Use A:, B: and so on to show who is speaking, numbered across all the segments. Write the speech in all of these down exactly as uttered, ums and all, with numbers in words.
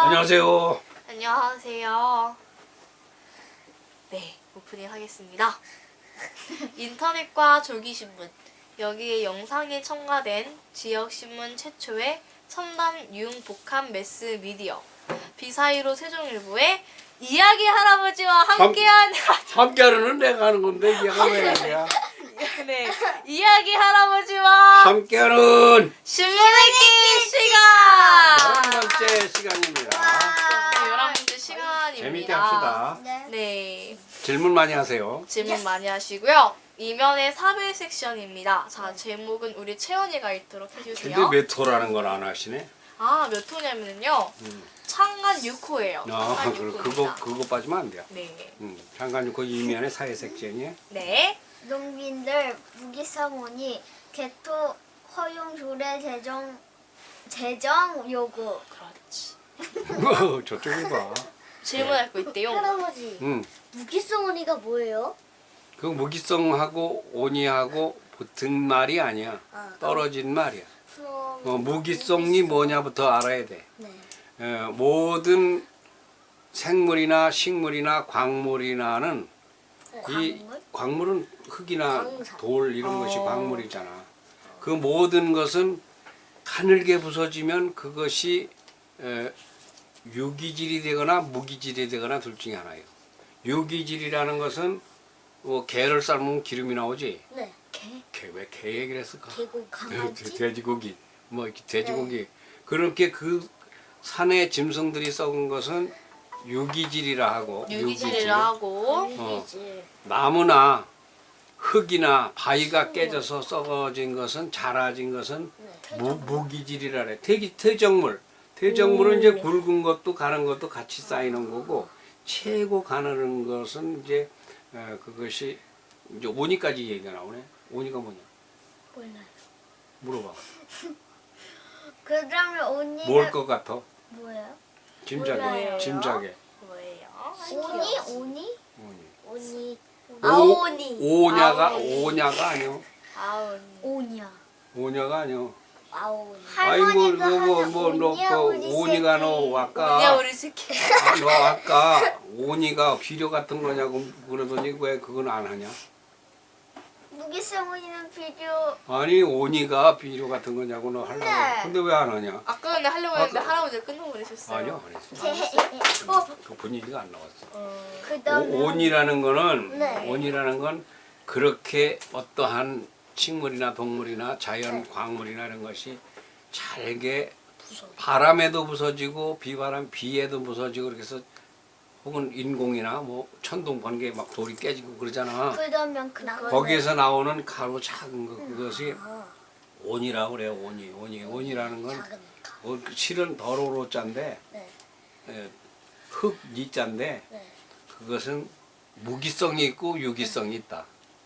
A: 안녕하세요.
B: 안녕하세요. 네, 오프닝 하겠습니다. 인터넷과 조기신문, 여기에 영상이 첨가된 지역신문 최초의 첨단 융복합 매스미디어 비사이로 세종일보의 이야기 할아버지와 함께한
A: 함께하는 내가 하는 건데 얘가 왜 이래야?
B: 네, 이야기 할아버지와
A: 함께하는
B: 신문 읽기 시간!
A: 열한 번째 시간입니다.
B: 네, 열한 번째 시간입니다.
A: 재밌게 합시다.
B: 네,
A: 질문 많이 하세요.
B: 질문 많이 하시고요. 이면의 사회 섹션입니다. 자, 제목은 우리 채연이가 읽도록 해주세요.
A: 근데 몇 호라는 걸 안 하시네?
B: 아, 몇 호냐면요.
A: 음.
B: 창간 육 호예요.
A: 아,
B: 창간
A: 그,
B: 육
A: 그거
B: 호입니다.
A: 그거 빠지면 안 돼요.
B: 네.
A: 음, 잠깐 그 이면에 사회 섹션이.
B: 네.
C: 농민들 무기성원이 개토 허용 조례 제정 제정 요구.
B: 그렇지.
A: 저쪽이 봐.
B: 질문할 거 있대요.
C: 할아버지,
A: 음,
C: 무기성원이가 뭐예요?
A: 그 무기성하고 온이하고 붙은 말이 아니야.
C: 아,
A: 떨어진 말이야.
C: 그럼
A: 어, 무기성이 뭐냐부터 알아야 돼.
C: 네.
A: 어, 모든 생물이나 식물이나 광물이나는 이
C: 광물?
A: 광물은 흙이나
C: 광산.
A: 돌 이런 것이
B: 어.
A: 광물이잖아. 그 모든 것은 가늘게 부서지면 그것이 에, 유기질이 되거나 무기질이 되거나 둘 중에 하나예요. 유기질이라는 것은 뭐 게를 삶으면 기름이 나오지.
C: 네. 개,
A: 개 왜 개 얘기를 했을까?
C: 개고 강아지.
A: 돼- 돼지고기 뭐 이렇게 돼지고기 그렇게 그 산의 짐승들이 썩은 것은 유기질이라 하고
B: 유기질이라 하고.
C: 유기질.
A: 나무나 흙이나 바위가 깨져서 썩어진 것은 자라진 것은
C: 네.
A: 무, 무기질이라 그래. 퇴기, 퇴적물. 퇴적물은 이제 굵은 것도 가는 것도 같이 쌓이는 거고 최고 가는 것은 이제 어, 그것이 이제 오니까지 얘기가 나오네. 오니가 뭐냐?
C: 몰라요.
A: 물어봐.
C: 그러면 언니는
A: 뭘 것 같아?
C: 뭐예요?
A: 짐작해.
C: 몰라요.
A: 짐작해.
B: 뭐예요?
C: 오니? 오니?
A: 오니.
C: 오니.
A: 오-
C: 아오니.
A: 오냐가
B: 아오니.
A: 오냐가 아니요.
B: 아운.
C: 오냐.
A: 오냐가 아니요.
C: 아오니.
A: 아이
C: 할머니가
A: 뭐뭐뭐너
C: 하는
A: 그
C: 오니야, 우리
A: 오니가 너
C: 새끼.
B: 뭐냐
A: 아까
B: 우리 새끼.
A: 아, 너 아까 오니가 비료 같은 거냐고 그러더니 왜 그건 안 하냐?
C: 무기성원이는 비료.
A: 아니 오니가 비료 같은 거냐고 너 하려고.
C: 네.
A: 근데 왜 안 하냐?
B: 아까 전에 하려고 했는데
A: 아까-
B: 할아버지가 끊어버리셨어요.
A: 아니요 안 했어.
C: 어,
A: 그 분위기가 안 나왔어.
B: 어,
C: 그다음에
A: 오, 온이라는 거는
C: 네.
A: 온이라는 건 그렇게 어떠한 식물이나 동물이나 자연
C: 네.
A: 광물이나 이런 것이 잘게
C: 부서.
A: 바람에도 부서지고 비바람 비에도 부서지고 그렇게 해서 혹은 인공이나 뭐 천둥 번개에 막 돌이 깨지고 그러잖아.
C: 그러면 그거
A: 거기에서 나오는 가루 작은 거 그것이
C: 아,
A: 온이라고 그래요. 온이 온이 온이라는 건
C: 작은 가.
A: 어, 실은 더러로 자인데
C: 네.
A: 예, 흙 이자인데
C: 네.
A: 그것은 무기성이 있고 유기성이 있다.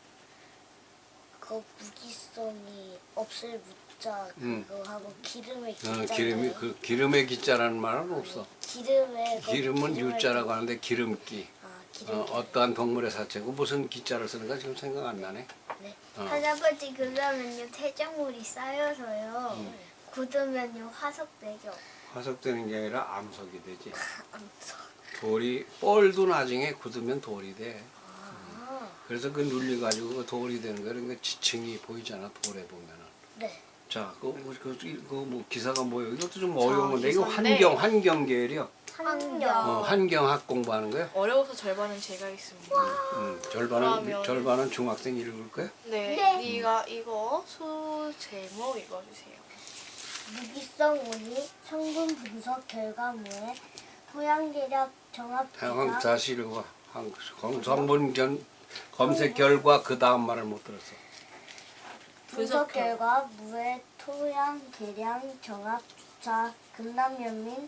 C: 그 무기성이 없을 무자
A: 음.
C: 그거 하고 기름의
A: 어,
C: 기자.
A: 기름이 그 기름의 기자라는 말은 없어.
C: 기름에 그
A: 기름은
C: 기름을
A: 유자라고 하는데 기름기.
C: 아, 기름.
A: 어, 어떠한 동물의 사체고 무슨 기자를 쓰는가 지금 생각 안 나네.
C: 네.
A: 어.
C: 할아버지 그러면요 퇴적물이 쌓여서요
A: 음.
C: 굳으면요 화석되죠.
A: 화석되는 게 아니라 암석이 되지.
C: 암석.
A: 돌이 뻘도 나중에 굳으면 돌이 돼.
C: 아,
A: 그래서 그 눌려가지고 그 돌이 되는 거야. 그러니까 지층이 보이잖아 돌에 보면은.
C: 네.
A: 자, 그, 뭐, 그, 그, 그 뭐 기사가 뭐예요? 이것도 좀 어려운 건데 이거
B: 기사인데.
A: 환경 환경 계열이요.
C: 환경.
A: 어, 환경학 공부하는 거야.
B: 어려워서 절반은 제가 있습니다.
A: 음, 절반은
B: 그러면-
A: 절반은 중학생 읽을 거야.
B: 네,
C: 네.
B: 네가 이거 수 제목 읽어주세요.
C: 무기성 온이 성분 분석 결과물에 토양계력 정합
A: 한
C: 기간
A: 다시 읽어봐. 한- 검- 성분 전 검색 결과 그 다음 말을 못 들었어.
C: 분석
B: 분석
C: 결과 무의 토양 계량 정합 주차 금남연민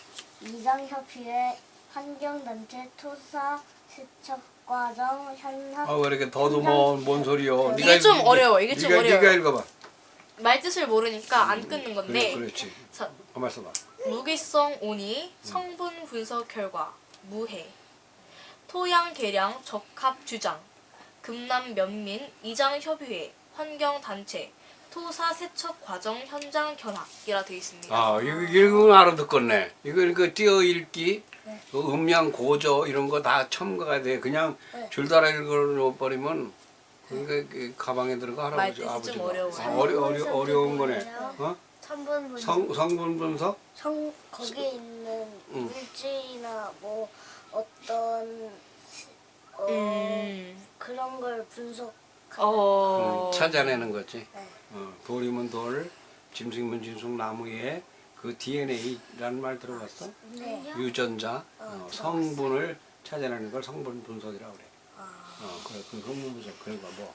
C: 이장협의회 환경단체 토사 세척과정 현황
A: 아 왜 이렇게 더듬어? 뭔 소리요?
B: 이게
A: 네가
B: 좀
A: 읽-
B: 어려워, 이게 좀
A: 네가,
B: 어려워요.
A: 네가 읽어봐.
B: 말 뜻을 모르니까 안 끊는 건데.
A: 그래, 그렇지.
B: 자,
A: 가만 있어봐.
B: 무기성 온이 성분 분석 결과 무해 토양 계량 적합 주장 금남 면민 이장 협의회 환경 단체 토사 세척 과정 현장 견학이라 되어 있습니다.
A: 아, 이거 이거 알아듣겠네. 이거 이거 띄어 읽기,
C: 네.
A: 그 음량 고조 이런 거 다 첨가가 돼. 그냥
C: 네.
A: 줄따라 읽어버리면 그게 그 가방에 들어가 할아버지
B: 말뜻이 좀
A: 아버지가.
B: 어려워요.
A: 아, 어려 어려 어려운 거네.
C: 뭐예요?
A: 어?
C: 성분 분석.
A: 성 성분 분석?
C: 성 거기에 있는
A: 음.
C: 물질이나 뭐 어떤 어,
B: 음.
C: 그런 걸 분석.
B: 어.
A: 음, 찾아내는 거지.
C: 네.
A: 어, 돌이면 돌, 짐승이면 짐승, 나무에 그 디엔에이라는 말 들어봤어?
C: 네.
A: 유전자,
C: 어,
A: 어,
C: 들어봤어.
A: 성분을 찾아내는 걸 성분 분석이라고 그래.
C: 아,
A: 어, 그래, 그 성분 분석. 그러니까 뭐.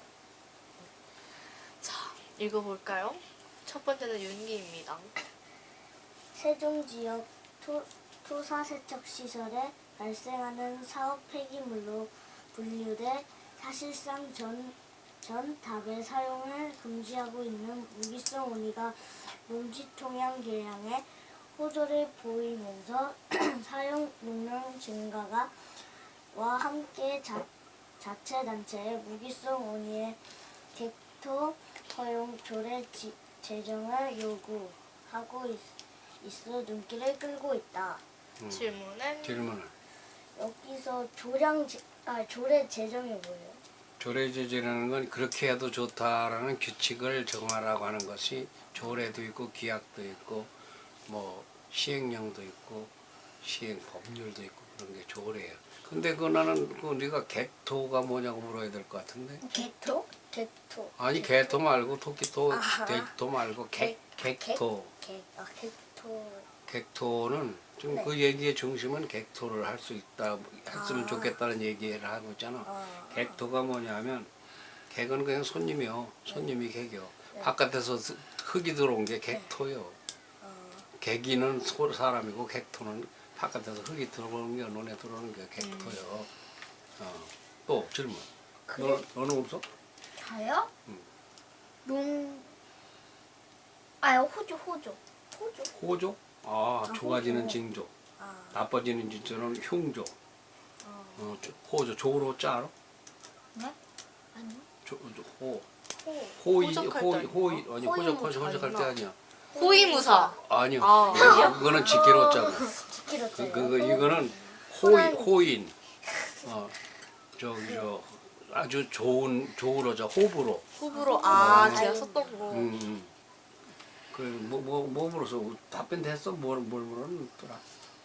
B: 자, 읽어볼까요? 첫 번째는 윤기입니다.
C: 세종 지역 토, 토사 세척 시설에 발생하는 사업 폐기물로 분류돼 사실상 전, 전 답의 사용을 금지하고 있는 무기성 원이가 농지 통양 개량에 호조를 보이면서 사용 용량 증가가 와 함께 자, 자체 단체의 무기성 원이의 객토 허용 조례 지, 제정을 요구하고 있, 있어 눈길을 끌고 있다.
A: 음,
B: 질문은
A: 질문을.
C: 여기서 조량 제, 아 조례 제정이 뭐예요?
A: 조례제재라는 건 그렇게 해도 좋다라는 규칙을 정하라고 하는 것이 조례도 있고 규약도 있고 뭐 시행령도 있고 시행 법률도 있고 그런 게 조례예요. 근데 그 나는 그 네가 객토가 뭐냐고 물어야 될 것 같은데.
C: 객토? 객토.
A: 아니 개토 말고 토끼토,
C: 아하.
A: 객토 말고 객 객토.
C: 객, 아 객토.
A: 객토는 지금
C: 네.
A: 그 얘기의 중심은 객토를 할 수 있다, 했으면
C: 아.
A: 좋겠다는 얘기를 하고 있잖아.
C: 어.
A: 객토가 뭐냐면 객은 그냥 손님이요. 손님이 객이요.
C: 네.
A: 바깥에서 스- 흙이 들어온 게 객토요.
C: 어.
A: 객이는 소- 사람이고 객토는 바깥에서 흙이 들어오는 게 눈에 들어오는 게 객토요. 어. 또 질문.
C: 그래.
A: 너 너는 없어?
C: 다요?
A: 음.
C: 농. 아 호조 호조. 호조.
A: 호조? 아,
C: 아,
A: 좋아지는
C: 호조.
A: 징조.
C: 아.
A: 나빠지는 징조는 흉조.
C: 어.
A: 어, 조- 호조. 조로 자 알아?
C: 네? 아니요.
A: 조, 조, 호.
C: 호.
A: 호의,
B: 호적할 때
A: 호의,
B: 아닌가?
A: 호의, 아니, 호적,
C: 호의무사
A: 호적할 때
B: 아니구나.
A: 아니야.
B: 호위무사.
A: 아니요.
B: 아.
A: 그거는 지키로 자고.
C: 지키로
A: 그, 그, 그, 이거는 호인, 호인. 어, 저기, 저, 아주 좋은, 좋으로자, 호불호.
B: 호불호. 아,
A: 음.
B: 제가 썼던 거.
A: 음, 음. 그, 뭐, 뭐, 뭐 물어서 답변 됐어? 뭘, 뭘 물었더라?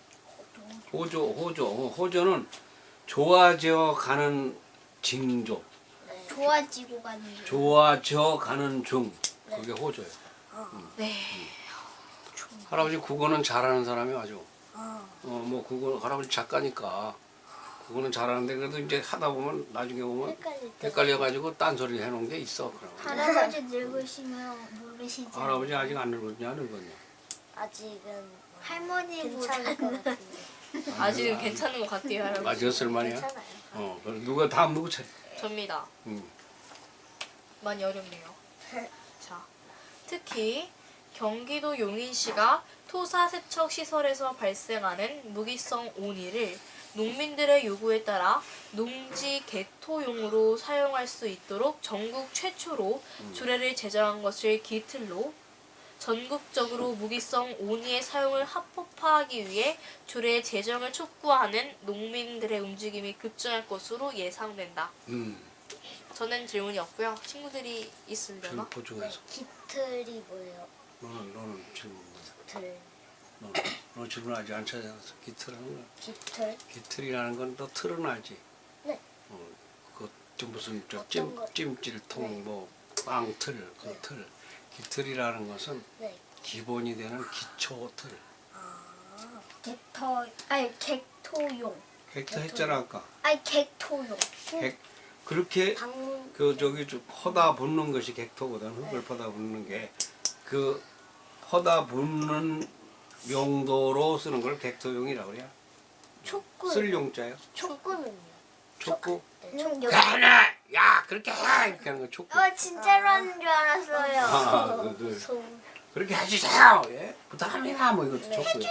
A: 호조, 호조. 어, 호조는 좋아져 가는 징조.
C: 좋아지고 가는 중.
A: 좋아져 가는 중. 그게 호조예요.
B: 네.
A: 할아버지 국어는 잘하는 사람이 아주.
C: 아.
A: 어, 뭐 국어 할아버지 작가니까 국어는 잘하는데 그래도 이제 하다 보면 나중에 보면
C: 헷갈릴 때.
A: 헷갈려가지고 딴소리 해놓은 게 있어. 그럼.
C: 할아버지 늙으시면 모르시지.
A: 할아버지 아직 안 늙었냐 늙었냐?
C: 아직은 할머니보다 괜찮을 것 같은데.
B: 아직은 괜찮은 것 같아요, 할아버지.
A: 아직 쓸만이야?
C: 괜찮아요.
A: 어, 그럼 누가 다음 누구 차례?
B: 접니다.
A: 음.
B: 많이 어렵네요. 자, 특히 경기도 용인시가 토사 세척 시설에서 발생하는 무기성 오니를 농민들의 요구에 따라 농지 개토용으로 사용할 수 있도록 전국 최초로 조례를 제정한 것을 기틀로 전국적으로 무기성 오니의 사용을 합법화하기 위해 조례 제정을 촉구하는 농민들의 움직임이 급증할 것으로 예상된다.
A: 음.
B: 저는 질문이 없고요. 친구들이 있으려나?
A: 질문 보충해서.
C: 깃틀이 뭐예요?
A: 너는 너는 질문 뭐야?
C: 깃틀.
A: 너, 너 질문 아직 안 찾아왔어. 기틀하는 거야.
C: 깃틀.
A: 기틀이라는 건 너 틀은 알지?
C: 네.
A: 어, 그좀 무슨
C: 어떤
A: 저찜
C: 거?
A: 찜질통
C: 네.
A: 뭐 빵틀 그
C: 네.
A: 틀. 기틀이라는 것은
C: 네.
A: 기본이 되는 기초 틀.
C: 아. 객터. 아니 객토용.
A: 객터 했잖아 아까.
C: 아니 객토용.
A: 객 그렇게
C: 방문.
A: 그 저기 좀 퍼다 붓는 것이 객토거든. 흙을 퍼다 붓는 게 그 퍼다 붓는 용도로 쓰는 걸 객토용이라고 그래요.
C: 촉구.
A: 쓸 용자요.
C: 촉구는요?
A: 촉구.
C: 네, 촉.
A: 야나 야 그렇게 해 이렇게 하는 거 촉구.
C: 어 진짜로 하는 줄 알았어요.
A: 아, 그, 그.
C: 무서워.
A: 그렇게 해주세요. 예? 부탁합니다. 뭐 이것도 촉구요.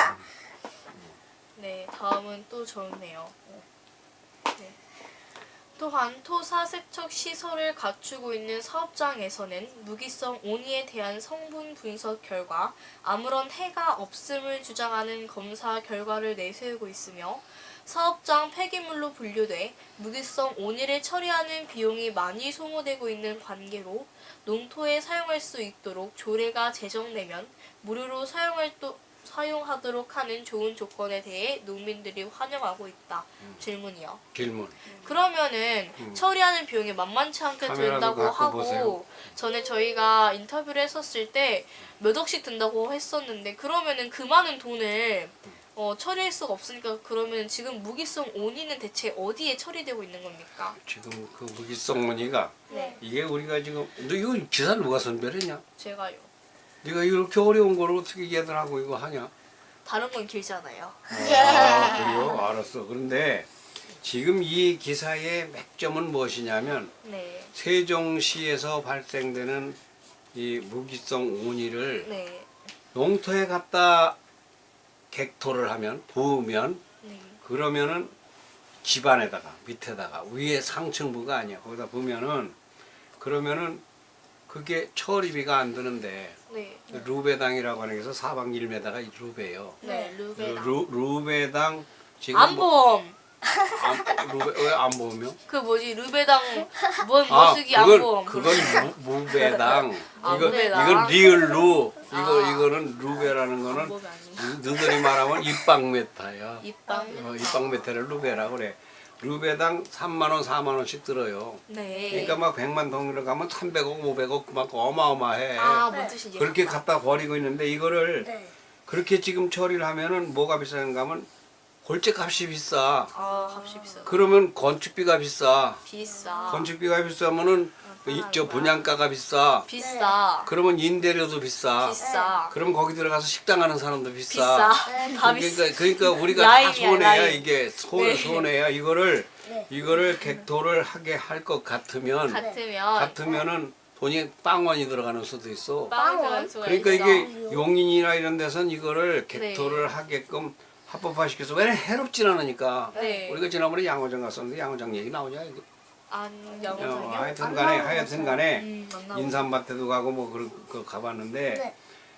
B: 네, 다음은 또 좋네요. 네. 또한 토사 세척 시설을 갖추고 있는 사업장에서는 무기성 온이에 대한 성분 분석 결과 아무런 해가 없음을 주장하는 검사 결과를 내세우고 있으며 사업장 폐기물로 분류돼 무기성 온이를 처리하는 비용이 많이 소모되고 있는 관계로 농토에 사용할 수 있도록 조례가 제정되면 무료로 사용할 또, 사용하도록 하는 좋은 조건에 대해 농민들이 환영하고 있다.
A: 음.
B: 질문이요.
A: 질문.
B: 그러면은
A: 음.
B: 처리하는 비용이 만만치 않게
A: 카메라도
B: 든다고
A: 갖고
B: 하고
A: 보세요.
B: 전에 저희가 인터뷰를 했었을 때 몇 억씩 든다고 했었는데 그러면은 그 많은 돈을 어, 처리할 수가 없으니까 그러면 지금 무기성 온이는 대체 어디에 처리되고 있는 겁니까?
A: 지금 그 무기성 문의가
B: 네,
A: 이게 우리가 지금 너 이거 기사를 누가 선별했냐?
B: 제가요.
A: 네가 이렇게 어려운 걸 어떻게 얘들하고 이거 하냐?
B: 다른 건 길잖아요.
A: 아, 그래요? 알았어. 그런데 지금 이 기사의 맥점은 무엇이냐면
B: 네,
A: 세종시에서 발생되는 이 무기성 온이를
B: 네,
A: 농토에 갖다 객토를 하면 부으면
B: 네,
A: 그러면은 집안에다가 밑에다가 위에 상층부가 아니야. 거기다 부으면은 그러면은 그게 처리비가 안 드는데
B: 네,
A: 루베당이라고 하는 게서 사방 일 미터가 루베예요.
B: 네, 루베다.
A: 루, 루베당 지금
B: 안보험.
A: 안, 루베 왜안 보며?
B: 그 뭐지 루베당 뭔
A: 아,
B: 머스기
A: 그건
B: 안보험.
A: 그건 무, 무배당.
B: 아,
A: 이거
B: 무배당.
A: 이건 리을 루. 이거
B: 아.
A: 이거는 루베라는 거는
B: 안보험이 아니에요.
A: 너희들이 말하면 입방메타야.
B: 입방.
A: 어, 입방메타를 루베라고 그래. 루베당 삼만 원, 사만 원씩 들어요.
B: 네.
A: 그러니까 막 백만 동으로 가면 삼백억, 오백억 막 어마어마해.
B: 아, 뭔 뜻인지.
A: 그렇게 갖다 버리고 있는데 이거를
C: 네.
A: 그렇게 지금 처리를 하면은 뭐가 비싼가 하면 골재값이 비싸.
B: 아, 값이 비싸.
A: 그러면 건축비가 비싸.
B: 비싸.
A: 건축비가 비싸면은 이, 저 분양가가 비싸.
B: 비싸.
A: 그러면 임대료도 비싸.
B: 비싸.
A: 그럼 거기 들어가서 식당 하는 사람도 비싸.
B: 비싸.
C: 네.
B: 다 비싸.
A: 그러니까, 그러니까 우리가 다
B: 라인이야,
A: 손해야
B: 라인.
A: 이게 손
B: 네.
A: 손해야 이거를
C: 네.
A: 이거를 객도를 하게 할 것 같으면
B: 같으면
A: 같으면은 돈이 빵원이 들어가는 수도 있어.
B: 빵을 들어갈 수가
A: 그러니까
B: 있어.
A: 이게 용인이나 이런 데선 이거를
B: 네.
A: 객도를 하게끔 합법화시켜서 왜 해롭진 않으니까.
B: 네.
A: 우리가 지난번에 양호장 갔었는데 양호장 얘기 나오냐 이거.
B: 안
A: 어,
B: 영어적이요?
A: 하여튼 간에 하여튼 간에
B: 음, 안 나오고.
A: 인삼밭에도 가고 뭐 그런 거 가봤는데
C: 네.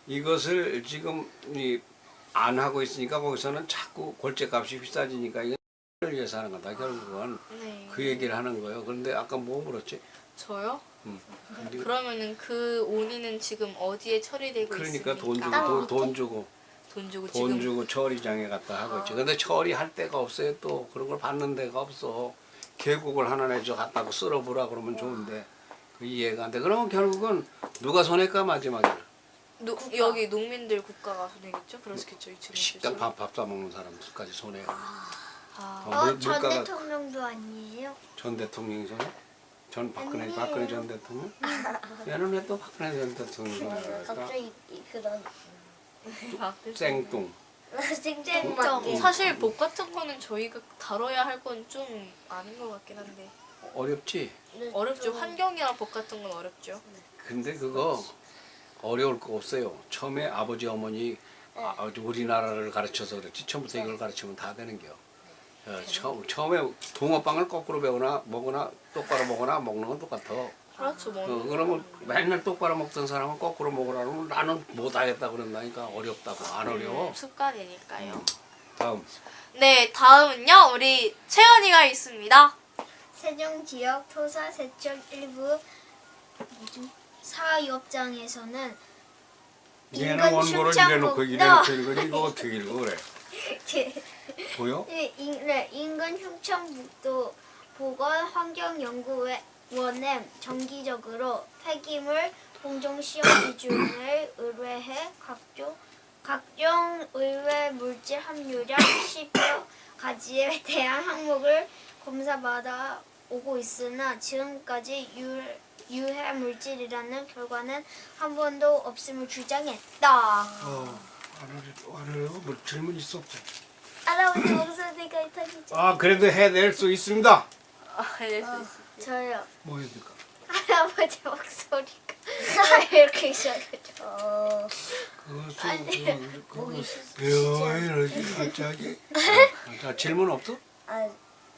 A: 이것을 지금 이 안 하고 있으니까 거기서는 자꾸 골재값이 비싸지니까 이걸 위해서 하는 거다 결국은.
B: 네.
A: 그 얘기를 하는 거예요. 그런데 아까 뭐 물었지?
B: 저요?
A: 음.
B: 그러면은 그 온이는 지금 어디에 처리되고
A: 그러니까
B: 있습니까?
A: 돈 주고 돈, 돈 주고
B: 돈 주고
A: 돈
B: 지금
A: 주고 처리장에 갖다 하고 있지. 근데 처리할 데가 없어요. 또 그런 걸 받는 데가 없어. 계곡을 하나 내줘 갖다고 쓸어보라 그러면 좋은데 그 이해가 안 돼. 그러면 결국은 누가 손해까 마지막에는
B: 노, 여기 농민들 국가가 손해겠죠? 그렇겠죠. 이
A: 식당 밥 밥 사 먹는 사람들까지 손해요.
B: 아,
A: 어,
C: 어,
A: 물-
C: 전
A: 물가가-
C: 대통령도 아니에요?
A: 전 대통령이 손해? 전 박근혜
C: 아니에요.
A: 박근혜 전 대통령? 얘는 왜 또 박근혜 전 대통령 손해랄까?
C: 갑자기 이- 그런
B: 아,
A: 쌩뚱.
C: 생쟁정.
B: 사실 복 같은 거는 저희가 다뤄야 할 건 좀 아닌 것 같긴 한데
A: 어렵지?
B: 어렵죠. 환경이랑 복 같은 건 어렵죠.
A: 근데 그거 어려울 거 없어요. 처음에 아버지 어머니 아, 우리나라를 가르쳐서 그랬지. 처음부터 이걸 가르치면 다 되는 겨. 어, 처음, 처음에 붕어빵을 거꾸로 배거나 먹거나 똑바로 먹거나 먹는 건 똑같아.
B: 그렇죠. 뭐
A: 어, 그러면 맨날 똑바로 먹던 사람은 거꾸로 먹으라 그러면 나는 못하겠다 그런다니까. 어렵다고. 안 어려워.
B: 음, 습관이니까요.
A: 다음.
B: 네, 다음은요. 우리 채연이가 있습니다.
C: 세종 지역 토사 세척 일부 사업장에서는
A: 얘는
C: 인근
A: 원고를
C: 흉창
A: 이래놓고
C: 목-
A: 이래놓고 읽으니 이거 어떻게 읽어 그래. 보여?
C: 이- 인- 네, 인근 흉천북도 보건환경연구원에 정기적으로 폐기물 공정 시험 기준을 의뢰해 각종 각종 의외 물질 함유량 십여 가지에 대한 항목을 검사받아 오고 있으나 지금까지 유, 유해 물질이라는 결과는 한 번도 없음을 주장했다.
A: 어, 안 어려, 안 어려워. 뭐 질문 있어 없어?
C: 할아버지 목소리가 이상이죠?
A: 아 그래도 해낼 수 있습니다.
B: 아, 네, 수 있어요.
C: 저요.
A: 뭐 해야 될까?
C: 할아버지 목소리가 왜 이렇게 이상하죠? 어...
A: 그것은
C: 아니,
A: 그거 그거
C: 목이
A: 왜 이러지 갑자기? 자 질문 없어?
C: 아,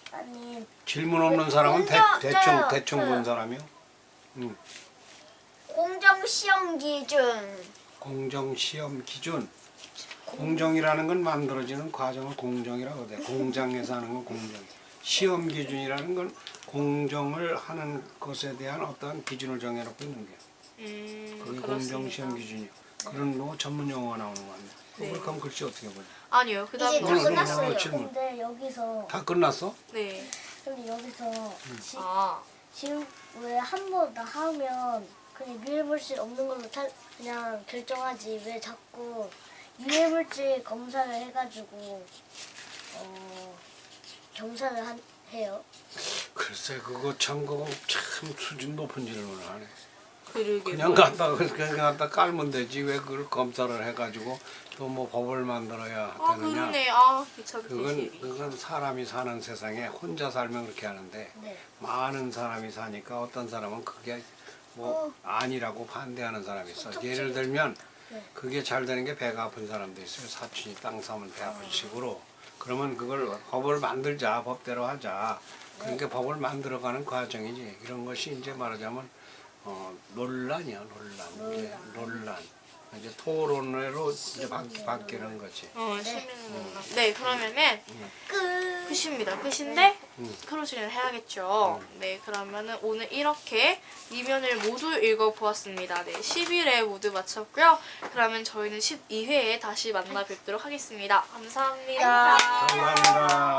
C: 아니
A: 질문 없는 사람은 대,
C: 공정-
A: 대충
C: 저요,
A: 대충 본
C: 저요.
A: 사람이요. 음.
D: 공정 시험 기준.
A: 공정 시험 기준. 공정이라는 건 만들어지는 과정을 공정이라고 돼. 공장에서 하는 건 공정. 시험 기준이라는 건 공정을 하는 것에 대한 어떤 기준을 정해놓고 있는 게.
B: 음,
A: 그게
B: 그렇습니다.
A: 공정 시험 기준이요. 그런 뭐 전문 용어가 나오는 거 아니야?
B: 네.
A: 그걸 그럼 글씨 어떻게 보냐?
B: 아니요.
D: 이제
B: 그다음
D: 다
A: 오늘
D: 끝났어요.
A: 오늘 질문.
C: 근데 여기서
A: 다 끝났어?
B: 네.
C: 근데 여기서 지,
B: 아,
C: 지금 왜 한 번 다 하면 그냥 유해물질 없는 걸로 차, 그냥 결정하지 왜 자꾸 유해물질 검사를 해가지고 어 검사를 한, 해요?
A: 글쎄 그거 참 그거 참 수준 높은 질문을 하네.
B: 그러게.
A: 그냥 갖다 그냥 갖다 깔면 되지 왜 그걸 검사를 해가지고 또 뭐 법을 만들어야
B: 아,
A: 되느냐?
B: 그러네. 아, 귀찮게
A: 그건
B: 시리.
A: 그건 사람이 사는 세상에 혼자 살면 그렇게 하는데
C: 네.
A: 많은 사람이 사니까 어떤 사람은 그게 뭐 아니라고 반대하는 사람이 있어. 예를 들면
C: 네.
A: 그게 잘 되는 게 배가 아픈 사람도 있어요. 사촌이 땅 사면 배 아픈 식으로. 그러면 그걸 법을 만들자, 법대로 하자. 그러니까 법을 만들어가는 과정이지. 이런 것이 이제 말하자면 어, 논란이야, 논란. 이제 논란. 이제 토론으로 이제 바, 바뀌는 거지.
B: 어, 시민은 네, 그러면은
C: 끝.
B: 끝입니다. 끝인데
A: 음.
B: 크로즈는 해야겠죠. 네, 그러면은 오늘 이렇게 이면을 모두 읽어보았습니다. 네, 십일 회 모두 마쳤고요. 그러면 저희는 십이 회에 다시 만나 뵙도록 하겠습니다. 감사합니다.
A: 감사합니다.